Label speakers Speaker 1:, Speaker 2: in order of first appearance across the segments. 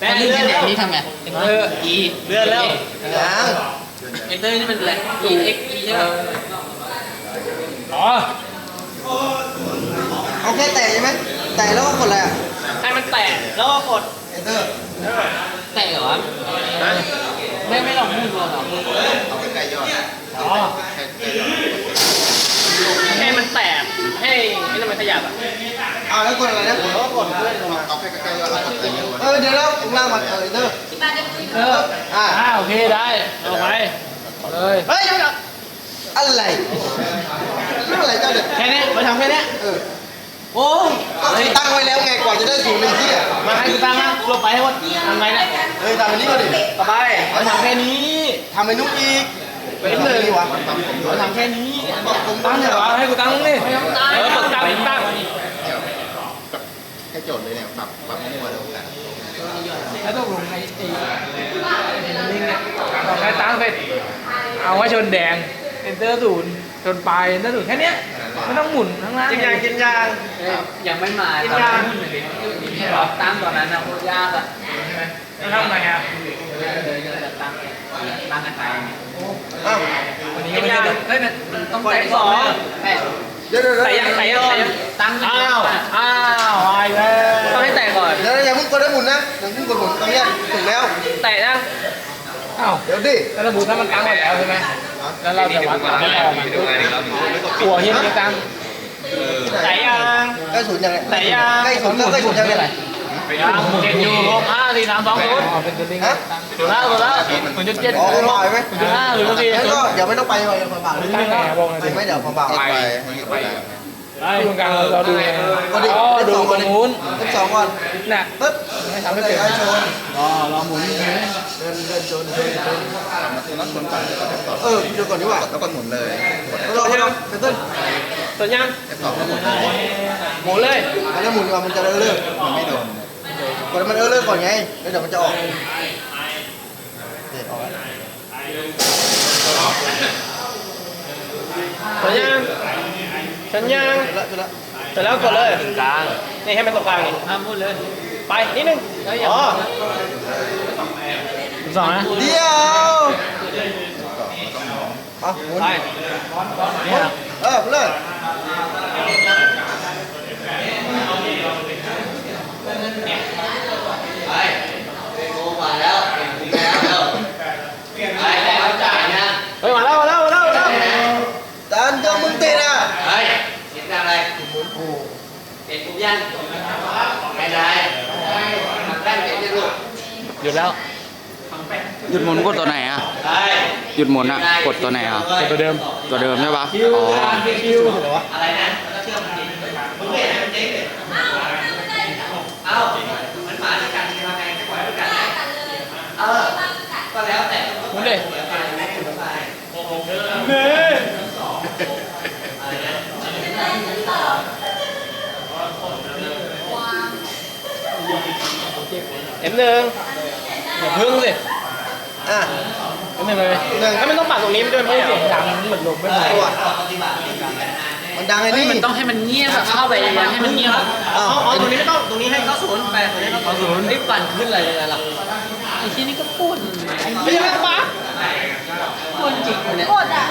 Speaker 1: แต่เลื่อนแล้วนี่ทำไงอีเลื่อนแล้ว
Speaker 2: ยัง
Speaker 1: เอนเตอร์นี่มันอะไร E X E ใช่ไหมอ๋อ
Speaker 2: เอาแค่แตะใช่ไหมแตะแล้วก็กดอะไรอ่ะ
Speaker 1: ให้มันแตะแล้วก็กด
Speaker 2: Enter
Speaker 1: แตะเหรอไม่ลองพูดดูหรอ
Speaker 3: เอาใกล้ๆยอด
Speaker 1: อ๋อให้มันแตะให้มันขยับอ่ะ
Speaker 2: แล้วกดอะไรนะ
Speaker 1: แล้วก็กดเลื่อนลงมา
Speaker 3: เอาใกล้ๆยอดแล้วกดใส่เยอะ
Speaker 2: เดี๋ยวแล้วข้างล่างมันEnter
Speaker 1: โอเคได้เอาไปเลย
Speaker 2: เฮ้ยยังไงอะไรเรื่องอะไรเจ้าเนี่ย
Speaker 1: แค่นี้มาทำแค่นี้โอ้
Speaker 2: ก็ตั้งไว้แล้วไงกว่าจะได้สูตรหนึ่งที่อ่ะ
Speaker 1: มาให้กูตั้งนะลงไปให้หมดทำไงนะ
Speaker 2: ทำอันนี้ก็ดิ
Speaker 1: ต่อไปเราทำแค่นี้
Speaker 2: ทำไอ้นุ๊กอีก
Speaker 1: เป็นหนึ่ง
Speaker 2: วะ
Speaker 1: เราทำแค่นี้ตั้งเหรอให้กูตั้งนี่กดตั้ง
Speaker 3: แค่โจทย์เลยเนี่ยปรับมั่วๆแล้วกัน
Speaker 1: แล้วต้องลงในลิงเนี่ยต้องให้ตั้งเสร็จเอาไว้ชนแดงเอนเตอร์ศูนย์ชนปลายเอนเตอร์ศูนย์แค่นี้ไม่ต้องหมุนทั้งนั้น
Speaker 2: กินยาง
Speaker 1: ยังไม่มากินยางตั้งตอนนั้นนะโคตรยากอ่ะใช่ไหมแล้วทำไงอ่ะตั้งกันไปวันนี้ไม่ได้เฮ้ยมันต้องใส่สองใส่ยังตั้งอ้าวไอ้แล้วต้องให้แตะก่อน
Speaker 2: เดี๋ยวอย่าเพิ่งกดได้หมุนนะอย่าเพิ่งกดหมุนตรงนี้ถึงแล้ว
Speaker 1: แตะนะอ้าว
Speaker 2: เดี๋ยวดิ
Speaker 1: แล้วหมุนถ้ามันตั้งหมดแล้วใช่ไหมแล้วเราจะวัดความไม่พอมันหัวเฮียนี่ตั้งใส่ยัง
Speaker 2: ใกล้ศูนย์ยังไง
Speaker 1: ใส่ยัง
Speaker 2: ใกล้ศูนย์แล้วใกล้ศูนย์ยังไง
Speaker 1: เจ็ดอยู่5 4 3 2 0เป็นตัวลิงฮะถูกแล้ว0.7
Speaker 2: อ๋อเบาไหม
Speaker 1: 0.5หรือ0.4
Speaker 2: ก็เดี๋ยวไม่ต้องไปเบาหรือไม่เดี๋ยวเบา
Speaker 3: ไป
Speaker 1: ตรงกลางเราดูดูตรงนู้น
Speaker 2: สองก่อน
Speaker 1: น่ะ
Speaker 2: ปึ๊บไม่ทำให้เกิดการชน
Speaker 1: เราหมุนเ
Speaker 2: ดินชน
Speaker 3: นัดชนก่อน
Speaker 2: เดี๋ยวก่อนดีกว่า
Speaker 3: แล้วก็หมุนเลย
Speaker 2: เราเป็นต้น
Speaker 1: ต้นยัง
Speaker 3: F2แล้ว
Speaker 1: หมุนเลย
Speaker 2: แล้วหมุนก่อนมันจะเลื่อน
Speaker 3: มันไม่โดน
Speaker 2: ก่อนมันเลื่อนก่อนไงแล้วเดี๋ยวมันจะออก
Speaker 1: ต้นยังฉันยังเสร็จแล้วกดเลยกลางนี่ให้มันตรงกลางนี่ห้ามพูดเลยไปนิดนึงอ๋อสองนะ
Speaker 2: เดี๋ยวหมุน
Speaker 1: ไป
Speaker 2: เลย
Speaker 1: เฮ้ยมาแล้ว
Speaker 2: จานก็มึงติดอ่ะ
Speaker 1: เฮ้ยเห็นอะไรหมุนผูเห็นปุ๊บยังไม่ได้ทำแป้งเห็นยังลูกหยุดแล้ว
Speaker 4: หยุดหมุนกดตัวไหนอ่ะหยุดหมุนอ่ะกดตัวไหนอ่ะ
Speaker 1: ตัวเดิม
Speaker 4: ใช่ปะ
Speaker 1: อ๋ออะไรนะเชื่อมจริงมึงเห็นมันจริงเอ้ามันมาด้วยกันทำไงจะปล่อยด้วยกันก็แล้วแต่มึงเลยM1อย่าพึ่งสิM1เลยถ้ามันต้องปัดตรงนี้ด้วยไม่เสียงดังเหมือนลมไม่พอ
Speaker 2: มันดังไอ้นี่
Speaker 1: มันต้องให้มันเงียบเข้าไปให้มันเงียบตรงนี้ไม่ต้องตรงนี้ให้เข้าศูนย์ไปตรงนี้เข้าศูนย์ไอ้ปั่นขึ้นอะไรเลยล่ะไอ้ที่นี่ก็พูดไม่ใช่ปะพูดจริงเนี่ยพูดอ่ะ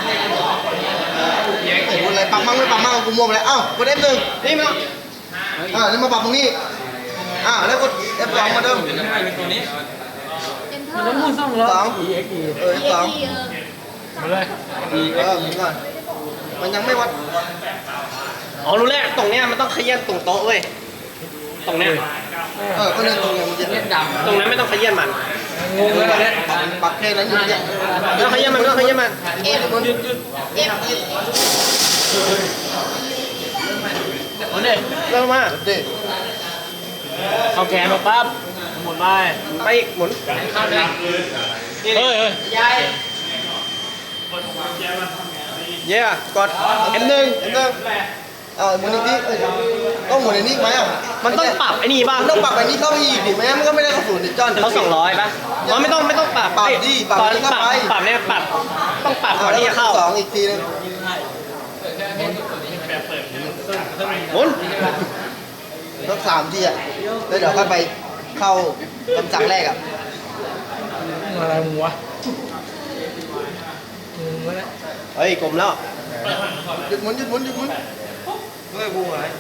Speaker 2: พูดอะไรปั๊มมั่งไม่ปั๊มมั่งกูมัวไปแล้วกด F1นี่มั้งนี่มาปรับตรงนี้แล้วกด F2มาเดิม
Speaker 1: ตัวนี้มันต้องหมุน2 รอบ
Speaker 2: F2
Speaker 1: มาเลย
Speaker 2: หมุนก่อนมันยังไม่วัด
Speaker 1: รู้แล้วตรงเนี้ยมันต้องขยันตรงโต๊ะเว้ยตรงเนี้ย
Speaker 2: ก็เล่นตรงนี้มันจะเล่น
Speaker 1: ดำตรงนั้นไม่ต้องขยันมัน
Speaker 2: งงเลยเนี่ยปักแค่นั้นอยู่เนี่ย
Speaker 1: ไม่ต้องขยันมันไม่ต้องขยันมันหยุดหมุนดิเริ่มมาเอาแขนมาปั๊บหมุนไปอีกหมุนข้ามเลยเฮ้ยยาย
Speaker 2: กด M1 หมุนอีกทีต้องหมุนอีกนิดไหม
Speaker 1: มันต้องปรับไอ้นี่บ้าง
Speaker 2: ต้องปรับไอ้นี่เข้าไปอีกดิไม่งั้นมันก็ไม่ได้เข้าศูนย์ดิจ้อน
Speaker 1: เขา200ป่ะไม่ต้องปรับ
Speaker 2: ดิปรับนี่เข้าไป
Speaker 1: ปรับเนี่ยต้องปรับก่อนที่จะเข้า
Speaker 2: 2อีกทีนึง
Speaker 1: หมุน
Speaker 2: สัก3 ทีแล้วเดี๋ยวค่อยไปเข้าคำสั่งแรกอ่ะ
Speaker 1: อะไรมึงวะมึงวะเนี่ย
Speaker 2: เฮ้ยกลมแล้วหยุดหมุนหยุดหมุนหยุดหมุนเฮ้ยกูอะไร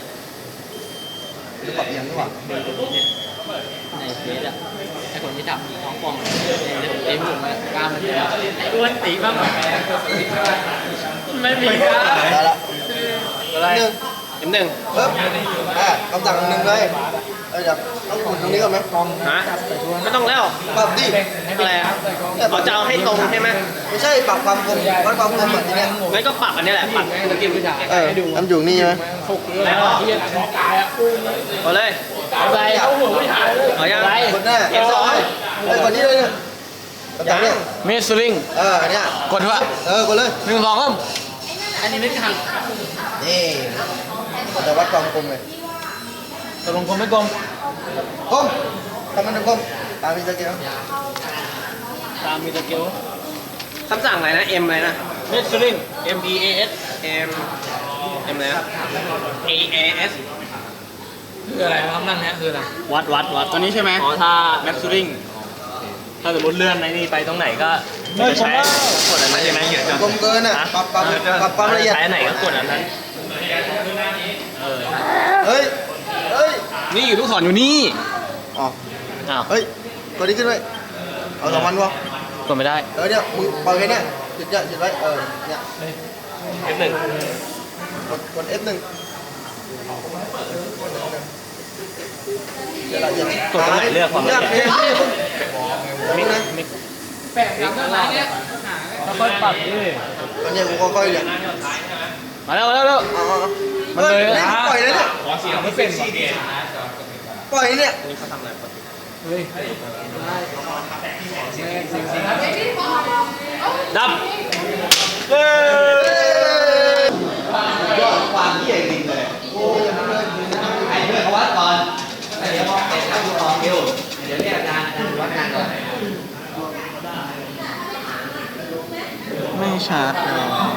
Speaker 2: จะปรับยังดีกว่า
Speaker 1: ในเฟซอะไอคนที่จับท้องป่องเต็มหัวมากล้ามมันเยอะไอ้อ้วนตีบ้างไม่มีกล้าม
Speaker 2: ได้ละ
Speaker 1: อะไร
Speaker 2: หนึ่ง
Speaker 1: หนึ่ง
Speaker 2: ปึ๊บคำสั่งหนึ่งเลยเดี๋ยวต้องหมุนตรงนี้ก่อนไหม
Speaker 1: ฮะไม่ต้องแล้ว
Speaker 2: ปรับดิ
Speaker 1: อะไรอะเขาจะเอาให้ตรงใช่ไหม
Speaker 2: ไม่ใช่ปรับความคมวัดความคมแบบนี้เนี่ย
Speaker 1: งั้นก็ปรับอันนี้แหละปรับสกิลผู้ชาย
Speaker 2: ทำอยู่นี่ใช่ไหม
Speaker 1: แล้วที่จะตายอ่ะเอาเลยไปเอาหัวผู้ชายเอายัง
Speaker 2: คนแน่
Speaker 1: เอ็มสอง
Speaker 2: เฮ้ยคนนี้เลยเนี่ยคำสั่งเนี่ย
Speaker 4: เมสซิลิง
Speaker 2: อันเนี้ย
Speaker 4: กดเถอะ
Speaker 2: กดเลย
Speaker 4: 1 2 3
Speaker 1: อันนี้ไม่ทัน
Speaker 2: นี่จะวัดความคมเลย
Speaker 1: ตกลงกลมไม่กลม
Speaker 2: คมทำมันคมตามมีตะเกียบ
Speaker 1: ตามมีตะเกียวคำสั่งอะไรนะ M อะไรนะ เมสซิง M E A S M อะไรนะ A A S คืออะไรคำนั่งเนี้ยคืออะไร
Speaker 4: วัดตัวนี้ใช่ไหม
Speaker 1: อ๋อถ้า
Speaker 4: แมสซิลิง
Speaker 1: ถ้าสมมติเลื่อนในนี่ไปตรงไหนก็จะใช้กดอันนั้นใช่ไหม
Speaker 2: คมเกินอ่ะปรับความละเอียด
Speaker 1: ใช้อันไหนก็กดอันนั้น
Speaker 2: เฮ้ยเฮ้ย
Speaker 4: นี่อยู่ลูกศรอยู่นี่
Speaker 2: อ๋อ
Speaker 1: อ้าว
Speaker 2: เฮ้ยตัวนี้ขึ้นไว้เอาสองมันวะ
Speaker 1: กดไม่ได้
Speaker 2: เนี่ยมึงปล่อยแค่เนี้ยหยุดเนี่ยหยุดไว้เนี่ย
Speaker 1: F1
Speaker 2: กด F1 เดี๋ยวเราจะ
Speaker 1: กดตรงไหนเลือกความละเอียด
Speaker 2: มิกนะ
Speaker 1: แปะย้ำข้างหลังเนี่ยค่อยปรับดิ
Speaker 2: ตอนนี้กูค่อยๆเนี่ย
Speaker 1: มาแล้ว
Speaker 2: มันเลยปล่อยเลยเนี่ย
Speaker 1: ไม่เป็น
Speaker 2: ปล่อยเนี่ย
Speaker 1: ดับ
Speaker 2: ยอดความที่ใหญ่จริงเลยโอ้ยมันเลยถ่ายเพื่อนเขาวัดก่อนเดี๋ยวบอกเป็นผู้กองเดียวเดี๋ยวเรียกอาจารย์วัดงานก่อน
Speaker 4: ไม่ชัด